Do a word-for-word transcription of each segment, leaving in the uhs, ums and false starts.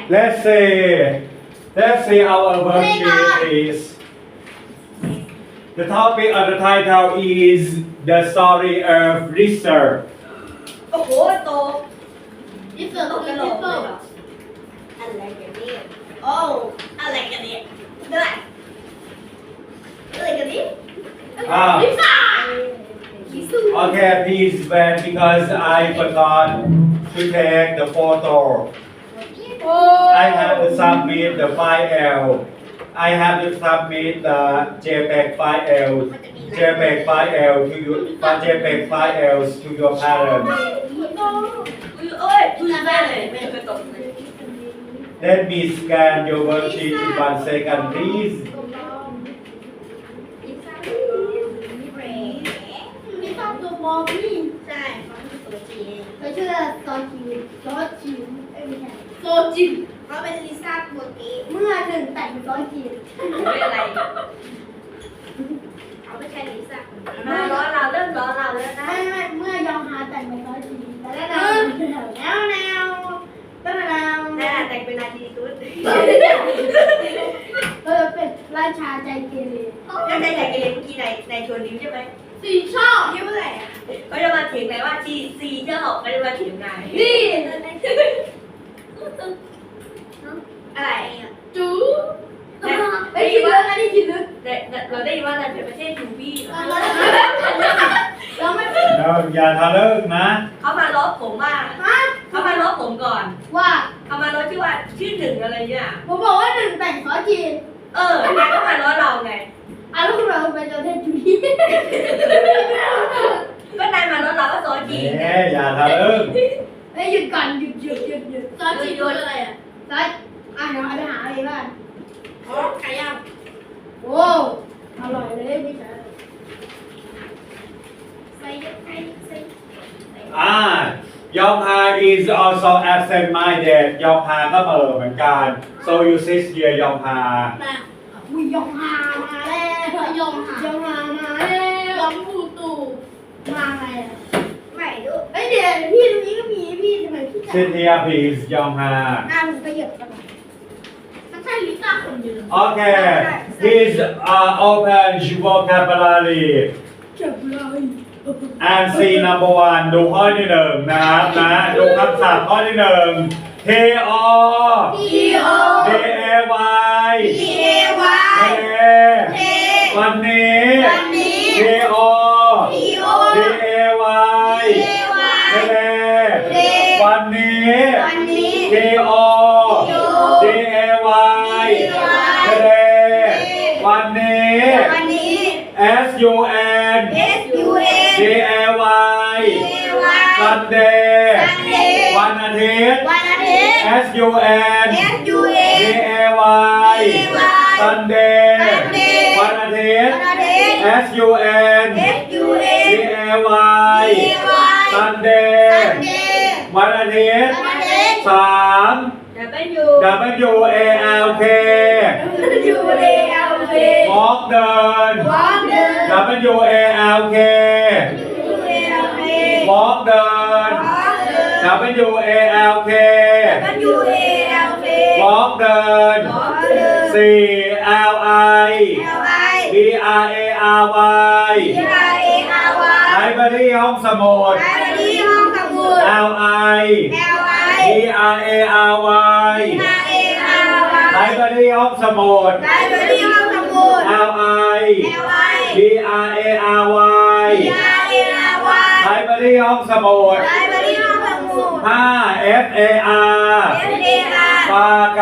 let's say let's say our worksheet is the topic of the title is the story of Lizard โอ้โหโตดิเซอร์ตตกกกกระระโหโหลลกกเลเลย ยเหรเหอรออะไรกันเนี่ยโอ้อะไรกันเนี่ยด้วยอะไรกันเนี่ย ah ลิซ่า okay please wait because I forgot to take the photo โอ้ I have to submit the file I have to submit the JPEG file JPEG file to your JPEG files to your parents เอ้ยคุยแม่เลยไม่เคยตกเลย Let me scan your worksheet in one second please ลิซ่าตัวบอมนี่ใช่เขาเป็นตัวจริงเขาชื่อซอจิวซอจิวเอ้ยไม่ใช่โซจิวเขาเป็นลิซ่าตัวจริงเมื่อหนึ่งแต่งเป็นซอจิวไม่อะไรเขาไม่ใช่ลิซ่ามาล้อเราเริ่มล้อเราแล้วนะไม่ไม่เมื่อยองฮาแต่งเป็นซอจิวแล้วแนวแนวแนวแนวแนวแน่แต่งเป็นนาทีตุ้นเออเป็นราชาใจเกเรแล้วในแต่งเองเมื่อกี้ในในชวนนิ้วใช่ไหมสีชอบนิ้วอะไรอ่ะเขาจะมาเถียงไหนว่าทีซีเจ้าหอกเขาจะมาเถียงไงนี่อะไรจูไอ้คิดลึกอันนี้คิดลึกเราได้ยินว่าในประเทศยูบี้เราไม่เราอย่าทะลึ่งนะเขามาล้อผมว่าฮะเขามาล้อผมก่อนว่าเขามาล้อชื่อว่าชื่อหนึ่งอะไรเนี่ยผมบอกว่าหนึ่งแต่งซอจีนเออแกก็มาล้อเราไงอ่ะแล้วคุณเราไปเจอเทนจูดี้ก็นายมาล้อเราว่าซอจีเอ๊อย่าทะลึ่งเฮ้ยหยุดก่อนหยุดหยุดหยุดหยุดซอจีนคืออะไรอ่ะซออ่ะเดี๋ยวเอาไปหาอะไรบ้างอ๋อไก่ย่างโอ้อร่อยเลยพี่ชายใส่ใส่ใส่อ่ายองฮา is also absent minded ยองฮาก็เออเหมือนกัน so you sit here ยองฮาแต่อุ้ยยองฮามาแล้วยองฮายองฮามาแล้วยองปูตูมาไงอ่ะไม่ดูเอ้ยเดี๋ยวพี่ตรงนี้ก็มีพี่ทำไมพี่จะ sit here please ยองฮาอ่าหนูไปเหยียบกันหน่อยมันใช่ลิซ่าคนเดียว okay please uh, open your vocabulary เจ็บเลย and see number one ดูข้อที่หนึ่งนะครับนะดูคำศัพท์ข้อที่หนึ่ง K O T O D A Y T A Y เทวันนี้วันนี้ K O T O D A Y ทะเลวันนี้วันนี้ K O D A Y ทะเลวันนี้วันนี้ S U N S U N D A Y Sunday วันอาทิตย์วันอาทิตย์ S U N S U D N A Y Sunday วันอาทิตย์วันอาทิตย์ S U N S U D N A Y Sunday วันอาทิตย์วันอาทิตย์สาม W W A L K W A L K walk เดิน Walk เดิน W A L K W A L K walk เดิน Walk เดิน W A L K W A L K walk เดิน Walk เดินสี่ L I L I B R A R Y B R A R ไล Y บรารีห้องสมุดไลบรารีห้องสมุด L I L I B R A R Y B R A R ไล Y บรารีห้องสมุดไลบรารีห้องสมุด L I L I B R A R Y B R A R ไล Y บรารีห้องสมุดไลบรารีห้องสมุดห้า F A R F A R ปาไก่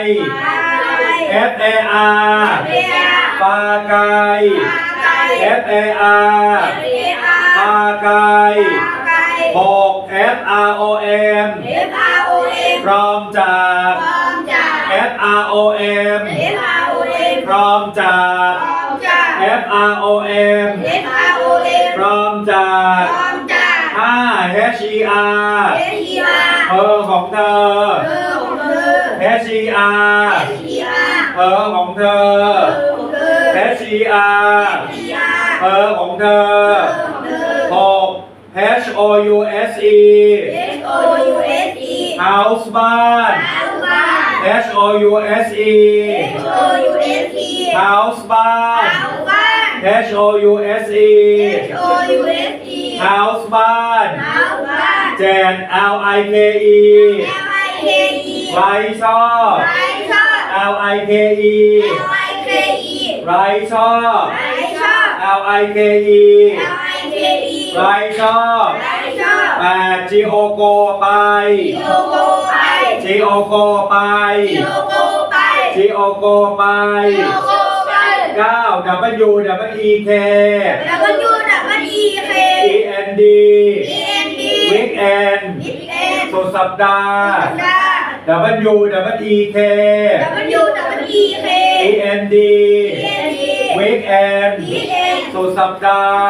F A R ปาไก่ F A R ปาไก่หก F R O M พร้อมจาก F R O M พร้อมจาก F R O M พร้อมจากห้า H E R เธอของเธอ H E R เธอของเธอ H E R เธอของเธอหก H O U S E house บ้าน H O U S E H O U S E house บ้านเอาบ้าน H O U S E H O U S E house บ้านเอาบ้านแจน L I K E L I K E ไรชอบไรชอบ L I K E L I K E ไรชอบไรชอบ L I K E L I K E ไรชอบไรชอบแปด G O G O ไปโลโก้ไป G O G O ไปโลโก้ไป G O G O ไปโลโก้ไปเก้า W W E K W W E K E N D E N D weekend Weekend สุดสัปดาห์ดา W W E K W W E K E N D E N D weekend Weekend สุดสัปดาห์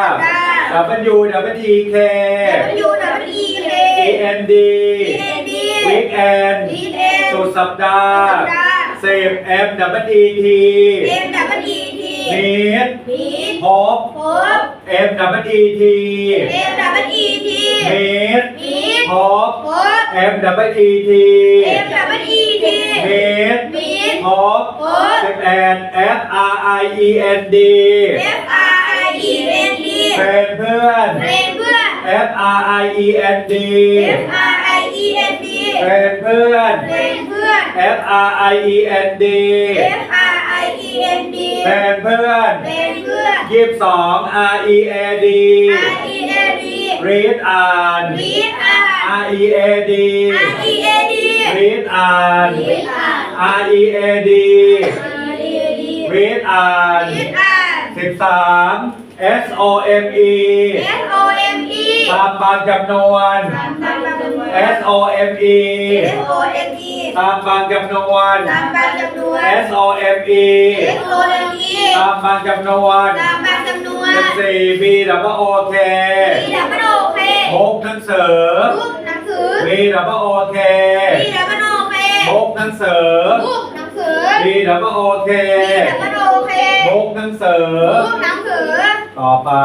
W W E K W W E K E N D E N D weekend Weekend สุดสัปดาห์สัปดาห์สิบ M W E T M W E T มีดมีดพบพบ M W E T M W E T มีดมีดพบพบ M W E T M W E T มีดมีดพบพบสิบเอ็ด F R I E N D F R I E N D เป็นเพื่อนเป็นเพื่อน F R I E N D F R I E N D เป็นเพื่อนเป็นเพื่อน F R I E N D F R I E N D เป็นเพื่อนเป็นเพื่อนยี่สิบสอง R E A D R E A D read อ่าน read อ่าน R E A D R E A D read อ่าน read อ่าน R E A D R E A D read อ่าน read อ่านสิบสาม S O M E S O M E ตามบางจำนวนตามบางจำนวน S O M E S O M E ตามบางจำนวนตามบางจำนวน S O M E S O M E ตามบางจำนวนตามบางจำนวนสิบสี่ B W O K มีดับเบิลโอเคพกหนังสือรูปหนังสือ B W O K มีดับเบิลโอเคพกหนังสือรูปหนังสือ B W O K มีดับเบิลโอเคพกหนังสือรูปหนังสือต่อไป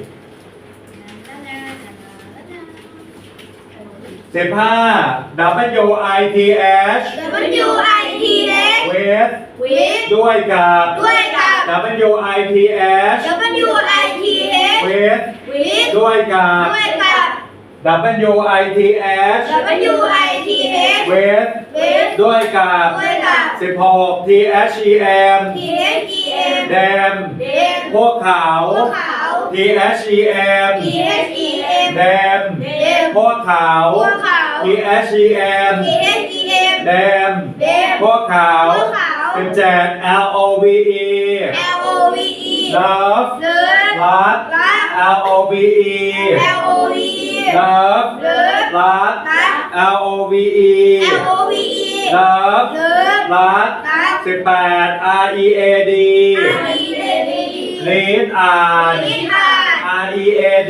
สิบห้า W I T H W I T H with วิทด้วยกับด้วยกับ W I T H W I T H with วิทด้วยกับด้วยกับ W I T H W I T H with วิทด้วยกับด้วยกับสิบหก T H E M T H E M แดมเดมพวกเขาพวกเขา T H E M T H E M แดมเดมพวกเขาพวกเขา T H E M T H E M แดมเดมพวกเขาพวกเขาสิบเจ็ด L O V E L O V E love เลิฟรักรัก L O V E L O V E love เลิฟรักรัก L O V E L O V E love เลิฟรักรักสิบแปด R E A D R E A D read อ่านรีดอ่าน R E A D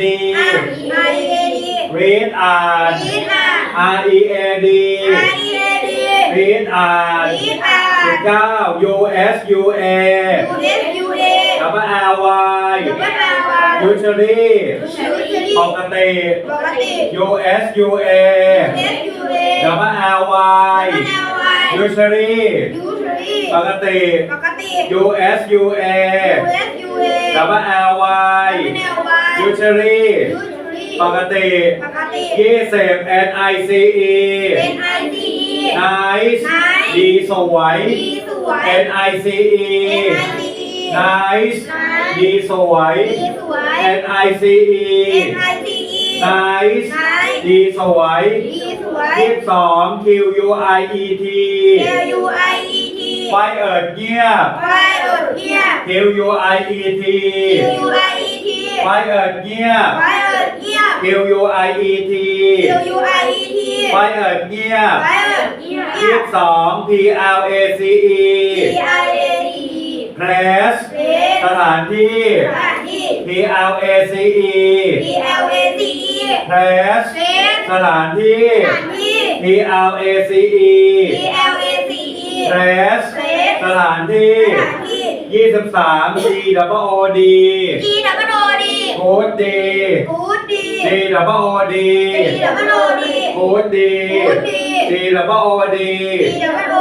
R E A D read อ่านรีดอ่าน R E A D R E A D read อ่านรีดอ่านสิบเก้า U S U A U S U A W L Y W L Y usually ชูชลีปกติปกติ U S U A U S U A W L Y W L Y usually ยูชลีปกติปกติ U S U A U S U A W L Y W L Y usually ยูชลีปกติปกติยี่สิบ N I C E N I C E nice Nice ดีสวยดีสวย N I C E N I C E nice Nice ดีสวยดีสวย N I C E N I C E nice Nice ดีสวยดีสวยยี่สิบสอง Q U I E T L U I E T ไฟเอิดเงียบไฟอดเงียบ Q U I E T Q U I E T ไฟเอิดเงียบไฟอดเงียบ Q U I E T Q U I E T ไฟเอิดเงียบไฟอดเงียบยี่สิบสอง P L A C E P I A T place เพลสถานที่สถานที่ P L A C E P L A C E place เพลสถานที่สถานที่ P L A C E P L A C E place place สถานที่สถานที่ยี่สิบสาม G W O D G W O D กูดดีกูดดี G W O D G W O D กูดดีกูดดี G W O D G W O D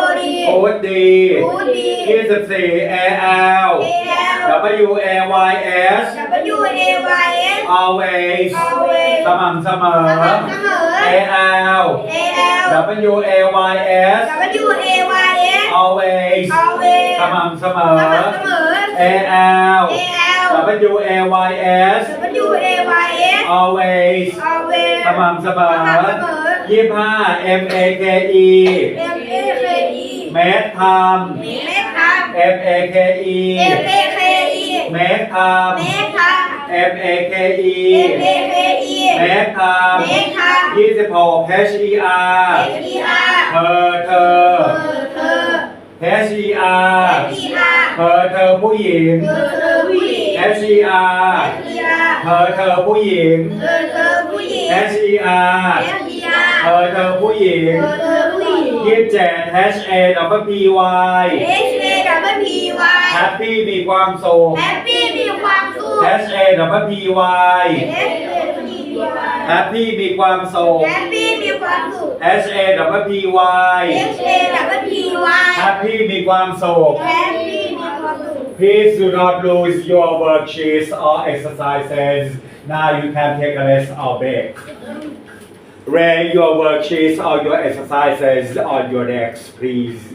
กูดดีกูดดียี่สิบสี่ เอ แอลเอ แอล W A Y S W A Y S always always สม่ำเสมอสม่ำเสมอ A L A L W A Y S W A Y S always always สม่ำเสมอสม่ำเสมอ A L A L W A Y S W A Y S always always สม่ำเสมอสม่ำเสมอยี่สิบห้า M A K E M A K E เมตรทเมตรครับำ M A K E M A K E เมตรทเมตรครับำ M A K E M A K E เมตรทเมตรครับำยี่สิบหก H E R H E R เธอเธอเธอ H E R H E R เธอเธอผู้หญิงเธอเธอผู้หญิง H E R H E R เธอเธอผู้หญิงเธอเธอผู้หญิง H E R H E R เธอเธอผู้หญิงเธอเธอผู้หญิงยี่สิบเจ็ด H A W P Y H A W P Y Happy มีความสุข Happy มีความสุข H A W P Y H A W P Y Happy มีความสุข Happy มีความสุข H A W P Y H A W P Y Happy มีความสุข Happy มีความสุข Please do not lose your worksheets or exercises. Now you can take a rest or break. Lay your worksheets or your exercises on your decks, please.